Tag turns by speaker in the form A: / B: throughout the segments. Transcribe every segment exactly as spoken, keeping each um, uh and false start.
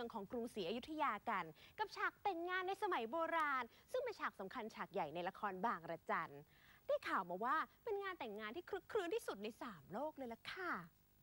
A: องของกรุงศรีอยุธยากันกับฉากแต่งงานในสมัยโบราณซึ่งเป็นฉากสำคัญฉากใหญ่ในละครบางระจันได้ข่าวมาว่าเป็นงานแต่งงานที่คลึกครื้นที่สุดในสามโลกเลยล่ะค่ะ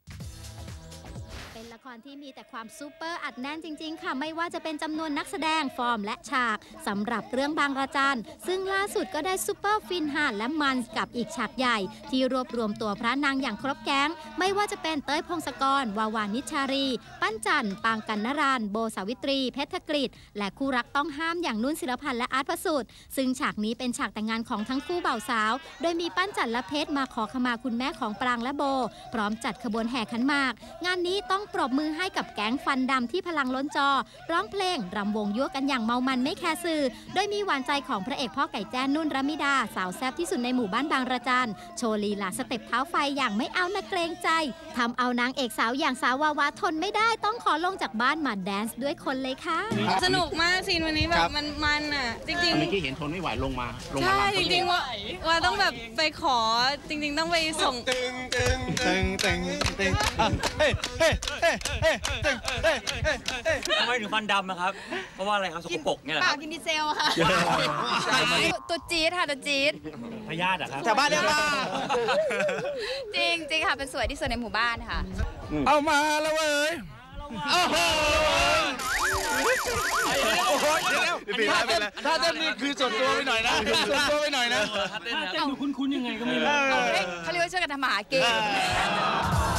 B: เป็นละครที่มีแต่ความซูเปอร์อัดแน่นจริงๆค่ะไม่ว่าจะเป็นจำนวนนักแสดงฟอร์มและฉากสำหรับเรื่องบางระจันซึ่งล่าสุดก็ได้ซูเปอร์ฟินฮาร์ดและมันกับอีกฉากใหญ่ที่รวบรวมตัวพระนางอย่างครบแก๊งไม่ว่าจะเป็นเต้ยพงศกรวาวานิชารีปั้นจันปางกันนรานโบสาวิตรีเพชรกฤษและคู่รักต้องห้ามอย่างนุ่นศิลพันธ์และอาร์ตพระสุทธิ์ซึ่งฉากนี้เป็นฉากแต่งงานของทั้งคู่บ่าวสาวโดยมีปั้นจันและเพชรมาขอขมาคุณแม่ของปรางและโบพร้อมจัดขบวนแห่ขันหมากงานนี้ต้องปรบมือให้กับแก๊งฟันดำที่พลังล้นจอร้องเพลงรำวงยั่วกันอย่างเมามันไม่แคร์สื่อโดยมีหวานใจของพระเอกพ่อไก่แจ้นุ่นรมิดาสาวแซ่บที่สุดในหมู่บ้านบางระจันโชว์ลีลาสเต็ปเท้าไฟอย่างไม่เอานะเกรงใจทำเอานางเอกสาวอย่างสาววาวาทนไม่ได้ต้องขอลงจากบ้านมาแดนซ์ด้วยคนเลยค่ะ
C: สนุกมากซีนวันนี้แบบมันมันอ่ะจริงๆ
D: เมื่อกี้เห็นทนไม่ไหวลงมาลงมา
C: ใช่จริงๆว่าว่าต้องแบบไปขอจริงๆต้องไปส่ง
E: ตึงตึงตึงตึงตึงเฮ้เฮ้เฮ้เฮ้ตึงเฮ้เฮ้เฮ้
F: ทำไมถึงฟันดำนะครับเพราะว่าอะไรครับสกปรกเนี่ยแหละครับ
C: กินดีเซลค่ะตัวจี๊ดค่ะตัวจี๊ด
F: พยาธิอะครับ
E: แถวบ้านเรียกว่า
C: จริงจริงค่ะเป็นสวยที่สุดในหมู่บ้านค่ะ
E: เอามาแล้วเว้ยโอ้โหโอ้โหเดี๋ยวถ้าเต้นนี่คือส่วนตัวไปหน่อยนะส่วนตัวไปหน่อยนะ
F: ถ้าเต้นดูคุ้นๆยังไงก็ไม่รู้
C: เขาเรียกว่าช่วยกันทำหากิน